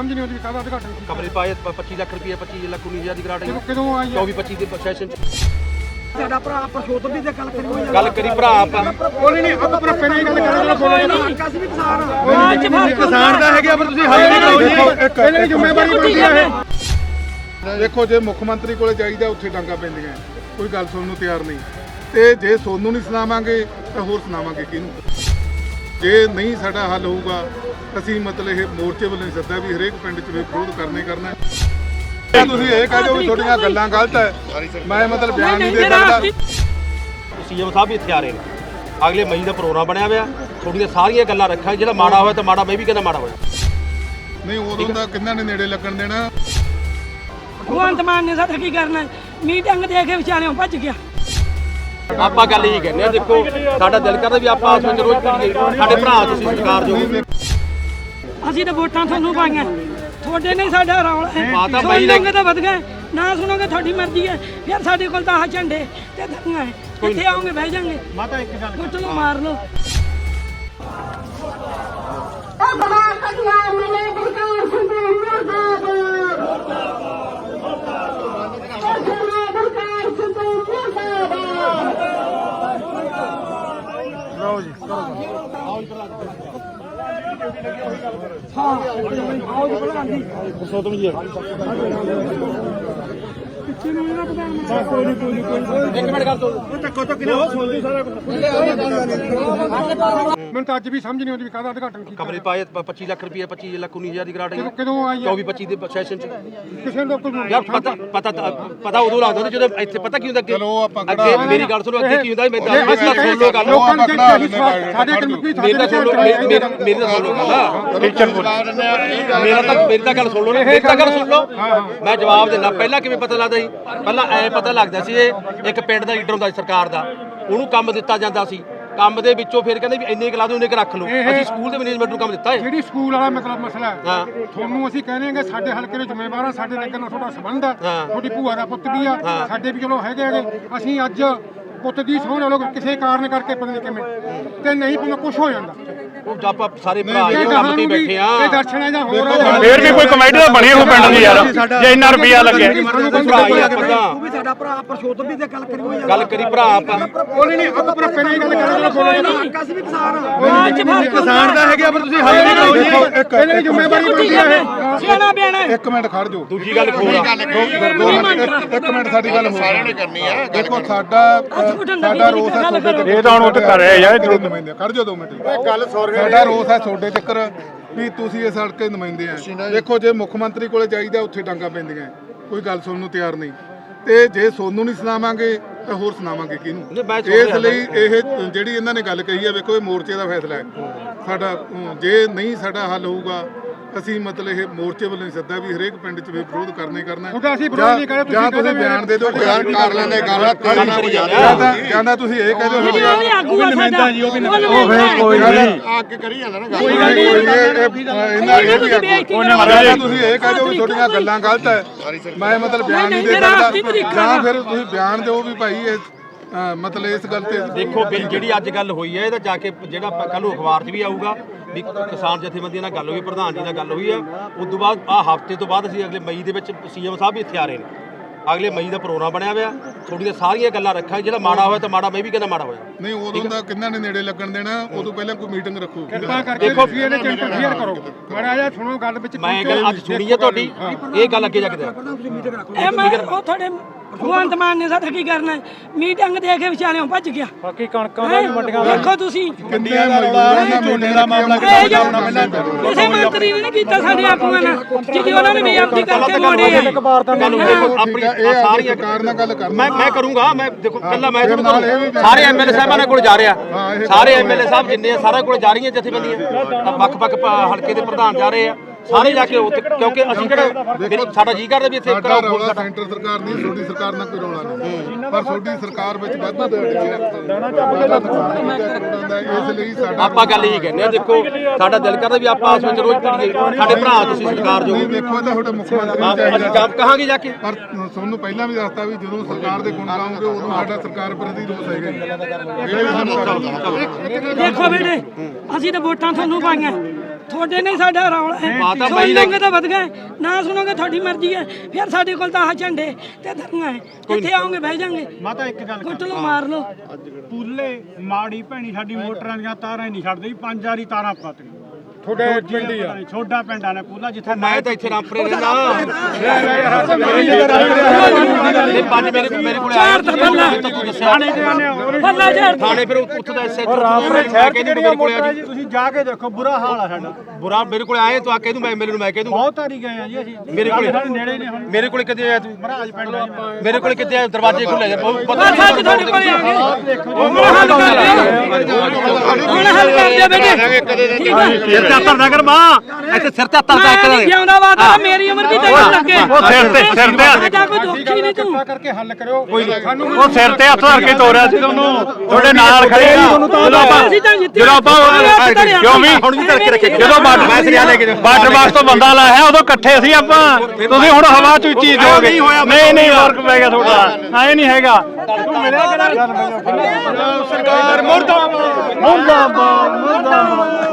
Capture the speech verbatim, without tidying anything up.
ਸਮਝ ਨਹੀਂ ਆਉਂਦੀ ਕਾਹਦਾ ਉਦਘਾਟਨ ਕੀਤਾ। ਕਮਰੇ ਪਾਏ ਪੱਚੀ ਲੱਖ ਰੁਪਏ ਪੱਚੀ ਲੱਖ ਉੱਨੀ ਹਜ਼ਾਰ ਦੀ ਗ੍ਰਾਂਟ ਆਈ ਕਦੋਂ ਆਈ ਚੌਵੀ ਪੱਚੀ ਦੇ ਸੈਸ਼ਨ ਚ ਸਾਡਾ ਭਰਾ ਪਰਸ਼ੋਤਮ ਦੀ ਤੇ ਗੱਲ ਕਰੀ ਗੱਲ ਕਰੀ ਭਰਾ ਆਪਾਂ ਕੋਈ ਨਹੀਂ ਆਪਾਂ ਭਰਾ ਪਹਿਲਾਂ ਹੀ ਗੱਲ ਕਰਾਂਗੇ ਕੋਈ ਨਹੀਂ ਕਾਸੀ ਵੀ ਕਿਸਾਨ ਕਿਸਾਨ ਦਾ ਹੈਗਾ ਪਰ ਤੁਸੀਂ ਹੱਲ ਨਹੀਂ ਕਰੋਗੇ ਪਹਿਲਾਂ ਹੀ ਜ਼ਿੰਮੇਵਾਰੀ ਬਣਦੀ ਹੈ ਇਹ। ਦੇਖੋ ਜੇ ਮੁੱਖ ਮੰਤਰੀ ਕੋਲੇ ਜਾਈਦਾ ਉੱਥੇ ਡਾਂਗਾ ਪੈਂਦੀਆਂ, ਕੋਈ ਗੱਲ ਸੁਣਨ ਨੂੰ ਤਿਆਰ ਨਹੀਂ। ਤੇ ਜੇ ਸੋਨੂੰ ਨਹੀਂ ਸੁਣਾਵਾਂਗੇ ਤਾਂ ਹੋਰ ਸੁਣਾਵਾਂਗੇ ਕਿਹਨੂੰ? ਜੇ ਨਹੀਂ ਸਾਡਾ ਹੱਲ ਹੋਊਗਾ ਅਸੀਂ ਮਤਲਬ ਇਹ ਮੋਰਚੇ ਵੱਲੋਂ ਸੱਦਾ ਵੀ ਹਰੇਕ ਪਿੰਡ 'ਚ ਵਿਰੋਧ ਕਰਨੇ ਕਰਨਾ। ਤੁਸੀਂ ਇਹ ਕਹਿ ਦਿਓ ਵੀ ਤੁਹਾਡੀਆਂ ਗੱਲਾਂ ਗਲਤ ਹੈ, ਮੈਂ ਮਤਲਬ ਬਿਆਨ ਨਹੀਂ ਦੇ ਸਕਦਾ। ਸੀਐਮ ਸਾਹਿਬ ਵੀ ਇੱਥੇ ਆ ਰਹੇ ਨੇ, ਅਗਲੇ ਮਈ ਦਾ ਪ੍ਰੋਗਰਾਮ ਬਣਿਆ ਹੋਇਆ, ਤੁਹਾਡੀਆਂ ਸਾਰੀਆਂ ਗੱਲਾਂ ਰੱਖਾਂਗੇ, ਜਿਹੜਾ ਮਾੜਾ ਹੋਇਆ ਤਾਂ ਮਾੜਾ, ਮੈਂ ਵੀ ਕਹਿੰਦਾ ਮਾੜਾ ਹੋਇਆ ਨਹੀਂ। ਉਦੋਂ ਦਾ ਕਿੰਨਾਂ ਨੇ ਨੇੜੇ ਲੱਗਣ ਦੇਣਾ? ਭਗਵੰਤ ਮਾਨ ਨੇ ਸਾਡਾ ਕੀ ਕਰਨਾ? ਮੀਟਿੰਗ ਦੇ ਕੇ ਵਿਚਾਰਿਓਂ ਭੱਜ ਗਿਆ। ਆਪਾਂ ਗੱਲ ਇਹ ਕਹਿੰਦੇ ਆ, ਦੇਖੋ ਸਾਡਾ ਦਿਲ ਕਰਦਾ ਵੀ ਆਪਾਂ ਆਸ ਵਿੱਚ ਰੋਜ਼ ਪੀੜੀਏ, ਸਾਡੇ ਭਰਾ ਤੁਸੀਂ ਸਰਕਾਰ ਜੋ ਅਸੀਂ ਤਾਂ ਵੋਟਾਂ ਤੁਹਾਨੂੰ ਪਾਈਆਂ, ਤੁਹਾਡੇ ਨਹੀਂ ਸਾਡਾ ਰੌਲਾ ਹੈ। ਮਾਤਾ ਬਾਈ ਨੇ ਸੁਣੋਗੇ ਤਾਂ ਵਧ ਗਏ, ਨਾ ਸੁਣੋਗੇ ਤੁਹਾਡੀ ਮਰਜ਼ੀ ਹੈ। ਫਿਰ ਸਾਡੇ ਕੋਲ ਤਾਂ ਆਹ ਝੰਡੇ ਤੇ ਧੱਕੀਆਂ ਹੈ, ਇੱਥੇ ਆਓਗੇ ਬਹਿ ਜਾਾਂਗੇ। ਮਾਤਾ ਇੱਕ ਗੱਲ ਕੁੱਟ ਲਓ, ਮਾਰ ਲਓ। ਲਓ ਜੀ ਹਾਂ ਆਓ ਜੀ ਪ੍ਰਧਾਨ ਜੀ। ਸੋਤਮ ਜੀ ਪਿੱਛੇ ਨੂੰ ਇਹਨਾਂ ਪ੍ਰਧਾਨ ਕੋਈ ਨਹੀਂ ਕੋਈ ਨਹੀਂ ਕੋਈ ਇੱਕ ਮਿੰਟ ਗੱਲ ਤੋਂ ਧੱਕੋ ਧੱਕੀ ਨਾ ਸੁਣਦੀ ਸਾਰਾ ਕੁਝ। ਮੈਨੂੰ ਤਾਂ ਅੱਜ ਵੀ ਸਮਝ ਨਹੀਂ ਆਉਂਦੀ ਕਾਹਦਾ ਉਦਘਾਟਨ ਕੀਤਾ। ਕਮਰੇ ਪਾਏ ਪੱਚੀ ਲੱਖ ਰੁਪਏ ਪੱਚੀ ਲੱਖ ਉੱਨੀ ਹਜ਼ਾਰ ਦੀ ਗ੍ਰਾਂਟ ਆਈ ਕਦੋਂ ਆਈ ਚੌਵੀ ਪੱਚੀ ਦੇ ਸੈਸ਼ਨ ਚ ਕਿਸੇ ਨੂੰ ਕੋਈ ਯਾਰ ਪਤਾ ਪਤਾ ਪਤਾ ਉਦੋਂ ਲੱਗਦਾ ਜਦੋਂ ਇੱਥੇ ਪਤਾ ਕੀ ਹੁੰਦਾ ਅੱਗੇ ਚਲੋ ਆਪਾਂ ਅੱਗੇ ਮੇਰੀ ਗੱਲ ਸੁਣੋ, ਅੱਗੇ ਕੀ ਹੁੰਦਾ ਮੈਂ ਦੱਸ ਸੁਣ ਲਓ ਗੱਲ ਲੋਕਾਂ ਨੂੰ ਸਾਡੇ ਕੋਲ ਕੋਈ ਮੇਰੀ ਤਾਂ ਸੁਣ ਲਓ ਮੇਰੀ ਮੇਰੀ ਤਾਂ ਸੁਣ ਲਓ ਗੱਲ ਟੀਚਰ ਮੇਰਾ ਤਾਂ ਮੇਰੀ ਤਾਂ ਗੱਲ ਸੁਣ ਲਓ, ਮੇਰੀ ਤਾਂ ਗੱਲ ਸੁਣ ਲਓ, ਮੈਂ ਜਵਾਬ ਦੇਣਾ। ਪਹਿਲਾਂ ਕਿਵੇਂ ਪਤਾ ਲੱਗਦਾ ਸੀ? ਪਹਿਲਾਂ ਐ ਪਤਾ ਲੱਗਦਾ ਸੀ ਇਹ ਇੱਕ ਪਿੰਡ ਦਾ ਲੀਡਰ ਹੁੰਦਾ ਸੀ ਸਰਕਾਰ ਦਾ, ਉਹਨੂੰ ਕੰਮ ਦਿੱਤਾ ਜਾਂਦਾ ਸੀ, ਕੰਮ ਦੇ ਵਿੱਚੋਂ ਫਿਰ ਕਹਿੰਦੇ ਵੀ ਇੰਨੇ ਕੁ ਲਾ ਦਿਓ, ਇੰਨੇ ਕੁ ਰੱਖ ਲਓ। ਅਸੀਂ ਸਕੂਲ ਦੇ ਮੈਨੇਜਮੈਂਟ ਨੂੰ ਕੰਮ ਦਿੱਤਾ ਹੈ। ਜਿਹੜੀ ਸਕੂਲ ਵਾਲਾ ਮਤਲਬ ਮਸਲਾ ਹੈ, ਹਾਂ ਤੁਹਾਨੂੰ ਅਸੀਂ ਕਹਿੰਦੇ ਹਾਂ ਕਿ ਸਾਡੇ ਹਲਕੇ ਦੇ ਜ਼ਿੰਮੇਵਾਰ ਆ, ਸਾਡੇ ਨਗਰ ਨਾਲ ਤੁਹਾਡਾ ਸੰਬੰਧ ਹੈ, ਹਾਂ। ਤੁਹਾਡੀ ਭੂਆ ਦਾ ਪੁੱਤ ਵੀ ਆ, ਸਾਡੇ ਵੀ ਚਲੋ ਹੈਗੇ ਹੈਗੇ। ਅਸੀਂ ਅੱਜ ਪੁੱਤ ਦੀ ਸਹੁੰ ਨਾਲ ਕਿਸੇ ਕਾਰਨ ਕਰਕੇ ਪਤਾ ਨਹੀਂ ਕਿਵੇਂ ਤੇ ਨਹੀਂ ਪਤਾ ਕੁਝ ਹੋ ਜਾਂਦਾ। ਉਹ ਆਪਾਂ ਸਾਰੇ ਭਰਾ ਇਹ ਕੰਮ ਤੇ ਬੈਠੇ ਆ। ਇਹ ਦਰਸ਼ਨ ਹੈ ਜਾਂ ਹੋਰ ਫੇਰ ਵੀ ਕੋਈ ਕਮੇਟੀ ਤਾਂ ਬਣੀ ਹੋ ਪਿੰਡ ਦੀ ਯਾਰ, ਜੇ ਇੰਨਾ ਰੁਪਿਆ ਲੱਗਿਆ। ਉਹ ਵੀ ਸਾਡਾ ਭਰਾ ਪਰਸ਼ੋਤਮ ਦੀ ਤੇ ਗੱਲ ਕਰੀ ਗੱਲ ਕਰੀ ਭਰਾ ਆਪਾਂ ਕੋਈ ਨਹੀਂ ਆਪਾਂ ਭਰਾ ਪਹਿਲਾਂ ਹੀ ਗੱਲ ਕਰਾਂਗੇ ਕੋਈ ਨਹੀਂ ਕਾਸੀ ਵੀ ਕਿਸਾਨ ਕਿਸਾਨ ਦਾ ਹੈਗਾ ਪਰ ਤੁਸੀਂ ਹੱਲ ਨਹੀਂ ਕਰੋਗੇ ਪਹਿਲਾਂ ਹੀ ਜ਼ਿੰਮੇਵਾਰੀ ਬਣਦੀ ਹੈ ਇਹ। ਸਿਆਣਾ ਬਿਆਣਾ ਇੱਕ ਮਿੰਟ ਖੜ ਜਾਓ। ਦੂਜੀ ਗੱਲ ਖੋਲ ਇੱਕ ਮਿੰਟ ਸਾਡੀ ਗੱਲ ਸਾਰਿਆਂ ਨੇ ਕਰਨੀ ਹੈ। ਦੇਖੋ ਸਾਡਾ ਸਾਡਾ ਰੋਸ ਹੈ ਤੁਹਾਡੇ ਤੇ। ਇਹ ਤਾਂ ਹੁਣ ਉੱਥੇ ਕਰ ਰਿਹਾ ਯਾਰ, ਨੁਮਾਇੰਦੇ ਖੜ ਜਾਓ ਦੋ ਮਿੰਟ। ਗੱਲ ਸਾਡਾ ਰੋਸ ਹੈ ਤੁਹਾਡੇ ਚੱਕਰ ਵੀ ਤੁਸੀਂ ਇਸ ਹਲਕੇ ਨੁਮਾਇੰਦੇ ਆ। ਦੇਖੋ ਜੇ ਮੁੱਖ ਮੰਤਰੀ ਕੋਲੇ ਜਾਈਦਾ ਉੱਥੇ ਡਾਂਗਾ ਪੈਂਦੀਆਂ, ਕੋਈ ਗੱਲ ਸੁਣਨ ਨੂੰ ਤਿਆਰ ਨਹੀਂ। ਤੇ ਜੇ ਸੋਨੂੰ ਨਹੀਂ ਸੁਣਾਵਾਂਗੇ ਤਾਂ ਹੋਰ ਸੁਣਾਵਾਂਗੇ ਕਿਹਨੂੰ? ਇਸ ਲਈ ਇਹ ਜਿਹੜੀ ਇਹਨਾਂ ਨੇ ਗੱਲ ਕਹੀ ਹੈ, ਵੇਖੋ ਇਹ ਮੋਰਚੇ ਦਾ ਫੈਸਲਾ ਹੈ ਸਾਡਾ। ਜੇ ਨਹੀਂ ਸਾਡਾ ਹੱਲ ਹੋਊਗਾ ਅਸੀਂ ਮਤਲਬ ਇਹ ਮੋਰਚੇ ਵੱਲੋਂ ਸੱਦਾ ਵੀ ਹਰੇਕ ਪਿੰਡ 'ਚ ਵਿਰੋਧ ਕਰਨੇ ਕਰਨਾ। ਅਸੀਂ ਵਿਰੋਧ ਨਹੀਂ ਕਰਦੇ, ਜਾਂ ਤੁਸੀਂ ਬਿਆਨ ਦੇ ਦਿਓ, ਬਿਆਨ ਕਰ ਲੈਂਦੇ ਗੱਲ ਜਾਂਦਾ ਤੁਸੀਂ ਇਹ ਕਹਿ ਦਿਓ ਉਹ ਵੀ ਆਗੂ ਆ ਸਾਡਾ, ਉਹ ਫੇਰ ਕੋਈ ਨਹੀਂ ਅੱਗੇ ਕਰੀ ਜਾਂਦਾ ਨਾ ਗੱਲ। ਇਹਨਾਂ ਇਹ ਵੀ ਤੁਸੀਂ ਇਹ ਕਹਿ ਦਿਓ ਵੀ ਤੁਹਾਡੀਆਂ ਗੱਲਾਂ ਗਲਤ ਹੈ, ਮੈਂ ਮਤਲਬ ਬਿਆਨ ਨਹੀਂ ਦੇ ਸਕਦਾ। ਜਾਂ ਫਿਰ ਤੁਸੀਂ ਬਿਆਨ ਦਿਓ ਵੀ ਭਾਈ ਇਹ ਮਤਲਬ ਇਸ ਗੱਲ ਤੇ ਦੇਖੋ ਬਿੱਲ ਜਿਹੜੀ ਅੱਜ ਗੱਲ ਹੋਈ ਹੈ, ਇਹਦਾ ਜਾ ਕੇ ਜਿਹੜਾ ਕੱਲ ਨੂੰ ਅਖਬਾਰ 'ਚ ਵੀ ਆਊਗਾ ਵੀ ਕਿਸਾਨ ਜਥੇਬੰਦੀਆਂ ਨਾਲ ਗੱਲ ਹੋਈ, ਪ੍ਰਧਾਨ ਜੀ ਨਾਲ ਗੱਲ ਹੋਈ ਹੈ। ਉਸ ਤੋਂ ਬਾਅਦ ਆਹ ਹਫ਼ਤੇ ਤੋਂ ਬਾਅਦ ਅਸੀਂ ਅਗਲੇ ਮਈ ਦੇ ਵਿੱਚ ਸੀਐਮ ਸਾਹਿਬ ਵੀ ਇੱਥੇ ਆ ਰਹੇ ਨੇ, ਅਗਲੇ ਮਈ ਦਾ ਪ੍ਰੋਗਰਾਮ ਬਣਿਆ ਹੋਇਆ, ਤੁਹਾਡੀਆਂ ਸਾਰੀਆਂ ਗੱਲਾਂ ਰੱਖਾਂਗੇ, ਜਿਹੜਾ ਮਾੜਾ ਹੋਇਆ ਤਾਂ ਮਾੜਾ, ਮੈਂ ਵੀ ਕਹਿੰਦਾ ਮਾੜਾ ਹੋਇਆ ਨਹੀਂ। ਉਦੋਂ ਦਾ ਕਿੰਨਾਂ ਨੇ ਨੇੜੇ ਲੱਗਣ ਦੇਣਾ? ਉਦੋਂ ਪਹਿਲਾਂ ਕੋਈ ਮੀਟਿੰਗ ਰੱਖੋ। ਕਿਰਪਾ ਕਰਕੇ ਤੁਸੀਂ ਇਹਦੇ ਚ ਇੰਟਰਫੇਅਰ ਕਰੋ। ਮਾੜਾ ਜਿਹਾ ਸੁਣੋ ਗੱਲ ਵਿੱਚ। ਮੈਂ ਗੱਲ ਅੱਜ ਸੁਣੀ ਹੈ ਤੁਹਾਡੀ, ਇਹ ਗੱਲ ਅੱਗੇ ਜਾ ਕੇ ਇਹ ਮੈਂ ਉਹ ਤੁਹਾਡੇ ਭਗਵੰਤ ਮਾਨ ਨੇ ਸਾਡਾ ਕੀ ਕਰਨਾ? ਮੀਟਿੰਗ ਦੇ ਕੇ ਵਿਚਾਰਿਓਂ ਭੱਜ ਗਿਆ। ਬਾਕੀ ਕਣਕਾਂ ਦਾ ਵੀ ਮੰਡੀਆਂ ਦਾ ਦੇਖੋ ਤੁਸੀਂ ਕਿੰਨੇ ਦਾ ਰੌਲਾ ਹੈ, ਝੋਨੇ ਦਾ ਮਾਮਲਾ ਇਹ ਜੋ ਕਿਸੇ ਮੰਤਰੀ ਨੇ ਨਹੀਂ ਕੀਤਾ ਸਾਡੇ ਆਗੂਆਂ ਨਾਲ, ਜਿਹੜੀ ਉਹਨਾਂ ਨੇ ਬੇਅਦਬੀ ਕਰਕੇ ਮੋੜੇ ਆ। ਗੱਲ ਆਪਣੀ ਸਾਰੀਆਂ ਸਰਕਾਰ ਨਾਲ ਗੱਲ ਕਰਨਾ। ਮੈਂ ਮੈਂ ਕਰੂੰਗਾ। ਮੈਂ ਦੇਖੋ ਪਹਿਲਾਂ ਮੈਂ ਤੁਹਾਨੂੰ ਸਾਰੇ ਐਮਐਲਏ ਸਾਹਿਬਾਂ ਨਾਲ ਕੋਲ ਜਾ ਰਿਹਾ, ਸਾਰੇ ਐਮਐਲਏ ਸਾਹਿਬ ਜਿੰਨੇ ਆ ਸਾਰਿਆਂ ਕੋਲ ਜਾ ਰਹੀਆਂ ਜਥੇਬੰਦੀਆਂ, ਵੱਖ-ਵੱਖ ਹਲਕੇ ਦੇ ਪ੍ਰਧਾਨ ਜਾ ਰਹੇ ਆ ਸਾਰੇ ਜਾ ਕੇ ਉੱਥੇ, ਕਿਉਂਕਿ ਅਸੀਂ ਕਿਹੜਾ ਸਾਡਾ ਜੀ ਕਰਦਾ ਵੀ ਇੱਥੇ ਸਾਡਾ ਰੌਲਾ ਸੈਂਟਰ ਸਰਕਾਰ ਦੀ, ਤੁਹਾਡੀ ਸਰਕਾਰ ਨਾਲ ਕੋਈ ਰੌਲਾ ਨਹੀਂ, ਪਰ ਤੁਹਾਡੀ ਸਰਕਾਰ ਵਿੱਚ ਵਾਧਾ ਦੇ ਇਸ ਲਈ ਸਾਡਾ ਆਪਾਂ ਗੱਲ ਇਹ ਕਹਿੰਦੇ ਆ। ਦੇਖੋ ਸਾਡਾ ਦਿਲ ਕਰਦਾ ਵੀ ਆਪਾਂ ਆਸ ਵਿੱਚ ਰੋਜ਼ ਪੀੜੀਏ, ਸਾਡੇ ਭਰਾ ਤੁਸੀਂ ਸਰਕਾਰ ਜੋ ਦੇਖੋ ਇਹ ਤਾਂ ਤੁਹਾਡੇ ਮੁੱਖ ਮੰਤਰੀ ਅਸੀਂ ਕੰਮ ਕਹਾਂਗੇ ਜਾ ਕੇ। ਪਰ ਤੁਹਾਨੂੰ ਪਹਿਲਾਂ ਵੀ ਦੱਸਤਾ ਵੀ ਜਦੋਂ ਸਰਕਾਰ ਦੇ ਗੁਣ ਗਾਉਂਗੇ ਉਦੋਂ ਸਾਡਾ ਸਰਕਾਰ ਪ੍ਰਤੀ ਰੋਸ ਹੈਗਾ ਜਿਹੜੇ ਵੀ ਸਾਨੂੰ ਦੇਖੋ ਬੇਟੇ, ਅਸੀਂ ਤਾਂ ਵੋਟਾਂ ਤੁਹਾਨੂੰ ਪਾਈਆਂ, ਤੁਹਾਡੇ ਨਹੀਂ ਸਾਡਾ ਰੌਲਾ ਹੈ ਮਾਤਾ ਸੁਣ ਬਾਈ ਨੇ- ਲਓਗੇ ਤਾਂ ਵਧ ਗਏ ਨਾ ਸੁਣੋਗੇ ਤੁਹਾਡੀ ਮਰਜ਼ੀ ਹੈ ਫਿਰ ਸਾਡੇ ਕੋਲ ਤਾਂ ਆਹ ਝੰਡੇ ਤੇ ਧਰਨਾ ਹੈ ਕਿੱਥੇ ਆਓਗੇ ਬਹਿ ਜਾਾਂਗੇ ਮਾਤਾ ਇੱਕ ਗੱਲ ਕੁੱਟ ਲਓ ਮਾਰ ਲਓ ਪੂਲੇ ਮਾੜੀ ਭੈਣੀ ਸਾਡੀ ਮੋਟਰਾਂ ਦੀਆਂ ਤਾਰਾਂ ਹੀ ਨਹੀਂ ਛੱਡਦੇ ਪੰਜ ਵਾਰੀ ਤਾਰਾਂ ਪਾਤੀਆਂ ਤੁਹਾਡੇ ਪਿੰਡ ਹੀ ਆ ਛੋਟਾ ਪਿੰਡਾਂ ਨੇ ਪੂਲਾ ਜਿੱਥੇ ਮੈਂ ਤਾਂ ਇੱਥੇ ਰਾਮਪੁਰੇ ਰਹਿੰਦਾ ਇਹ ਪੰਜ ਮੇਰੇ ਮੇਰੇ ਕੋਲ ਆਇਆ ਚਾਰ ਤਾਂ ਬੱਲਾ ਤੂੰ ਦੱਸਿਆ ਬੱਲਾ ਝਾੜ ਥਾਣੇ ਫਿਰ ਉੱਥੇ ਦਾ ਐਸਐਚ ਰਾਮਪੁਰੇ ਸ਼ਹਿਰ ਚ ਜਿਹੜੀਆਂ ਮੋਟਰਾਂ ਜੀ ਤੁਸੀਂ ਜਾ ਕੇ ਦੇਖੋ ਬੁਰਾ ਹਾਲ ਆ ਸਾਡਾ ਬੁਰਾ ਮੇਰੇ ਕੋਲ ਆਏ ਤੂੰ ਆ ਕਹਿ ਦੂੰ ਮੈਂ ਮੇਰੇ ਨੂੰ ਮੈਂ ਕਹਿ ਦੂੰ ਬਹੁਤ ਵਾਰੀ ਗਏ ਆ ਜੀ ਅਸੀਂ ਮੇਰੇ ਕੋਲੇ ਸਾਡੇ ਨੇੜੇ ਨੇ ਹੁਣ ਮੇਰੇ ਕੋਲੇ ਕਿੱਥੇ ਆਇਆ ਤੂੰ ਮਹਾਰਾਜ ਪਿੰਡ ਆ ਜੀ। ਮੇਰੇ ਕੋਲੇ ਕਿੱਥੇ ਆਇਆ ਦਰਵਾਜ਼ੇ ਖੁੱਲੇ ਜਾ ਬਹੁਤ ਪਤਾ ਬਸ ਅੱਜ ਤੁਹਾਡੇ ਕੋਲੇ ਆ ਗਏ ਹੁਣ ਹੱਲ ਕਰ ਦਿਓ ਹੁਣ ਹੱਲ ਕਰ ਦਿਓ ਬੇਟੇ ਠੀਕ ਹੈ ਸਿਰ ਤੇ ਹੱਥ ਕਰ ਮਾਂ ਇੱਥੇ ਸਿਰ ਤੇ ਹੱਥ ਮੈਂ ਨਹੀਂ ਜਿਉਂਦਾ ਵਾਦਾ ਮੇਰੀ ਉਮਰ ਵੀ ਤੈਨੂੰ ਲੱਗੇ ਉਹ ਸਿਰ ਤੇ ਸਿਰ ਤੇ ਸਾਡਾ ਕੋਈ ਦੁੱਖ ਹੀ ਨਹੀਂ ਤੂੰ ਕਿਰਪਾ ਕਰਕੇ ਹੱਲ ਕਰਿਓ ਕੋਈ ਸਾਨੂੰ ਉਹ ਸਿਰ ਤੇ ਹੱਥ ਧਰ ਕੇ ਤੋਰਿਆ ਸੀ ਤੁਹਾਨੂੰ ਤੁਹਾਡੇ ਨਾਲ ਖੜੇ ਆ ਜਦੋਂ ਆਪਾਂ ਅਸੀਂ ਤਾਂ ਜਿੱਤੇ ਜਦੋਂ ਆਪਾਂ ਕਿਉਂ ਵੀ ਹੁਣ ਵੀ ਧਰ ਕੇ ਰੱਖੇ ਜਦੋਂ ਬਾਰਡਰ ਮੈਂ ਸਿਰਿਆ ਲੈ ਕੇ ਜਾ ਬਾਰਡਰ ਬਾਕਸ ਤੋਂ ਬੰਦਾ ਲਾਇਆ ਉਦੋਂ ਇਕੱਠੇ ਸੀ ਆਪਾਂ ਤੁਸੀਂ ਹੁਣ ਹਵਾ ਚ ਉੱਚੀ ਜਾਓਗੇ ਨਹੀਂ ਨਹੀਂ ਫਰਕ ਪੈ ਗਿਆ ਤੁਹਾਡਾ ਐ ਨਹੀਂ ਹੈਗਾ ਤੂੰ ਮਿਲਿਆ ਕਿਹੜਾ ਸਰਕਾਰ ਮੁਰਦਾਬਾਦ ਮੁਰਦਾਬਾਦ ਮੁਰਦਾਬਾਦ